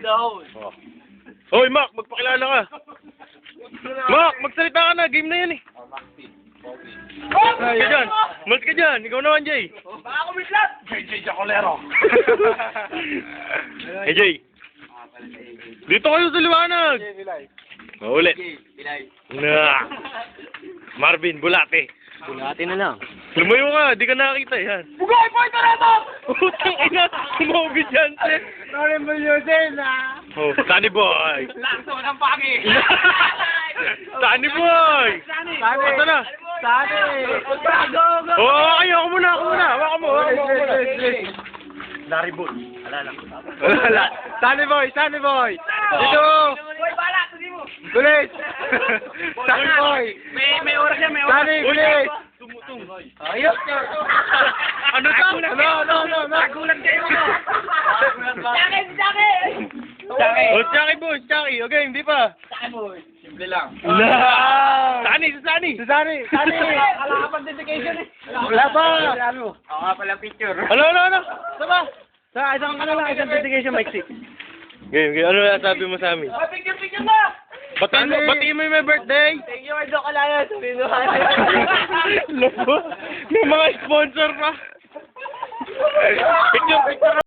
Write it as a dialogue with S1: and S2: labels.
S1: dahon.
S2: Oh. Hoy, Mac, magpakilala ka. Mac, magsalita ka na. Game na yan eh. Malis ka dyan. Malis ka dyan. Ikaw naman, Jay.
S1: Baka kumitlat!
S3: JJ Jacolero.
S2: Hey, Jay. Dito kayo sa liwanag. Ulit. Na. Marvin, bulate.
S1: Bulati na lang.
S2: Lumayo ka, di ka nakakita yan.
S1: Bugay po ito na ito!
S2: Putang ina, sumobis yan, sir.
S1: Sorry mo yun din, ha?
S2: Oh, Sunny Boy.
S1: Lakso ng pagi!
S2: Sunny Boy.
S1: Sani!
S2: Ito na.
S1: Sani! Go, go!
S2: Oh, ako muna. Waka mo. Larry Bull. Alala.
S1: Sunny boy! Dito! Boy, bala! Tuloy mo!
S3: Gulis. Sunny boy.
S1: May oras yan, may oras.
S3: Sunny, gulis.
S1: Ayos!
S2: Ano to?
S3: No.
S1: Nagulat kayo mo! Jackie!
S2: Oh, Chucky Boy, Chucky. Okay, hindi pa.
S1: Simple lang.
S2: Sunny.
S3: Sunny.
S1: Wala ka pang dedication eh.
S3: Wala pa.
S1: Ako nga pala picture.
S2: Ano?
S3: Sama. Sa isang dedication, Mike 6.
S2: Game. Ano na sabi mo sa amin?
S1: Picture na!
S2: Batiin mo yung may birthday.
S1: Thank you, Ardo Kalaya. Sabihin mo.
S2: May mga sponsor pa. Picture.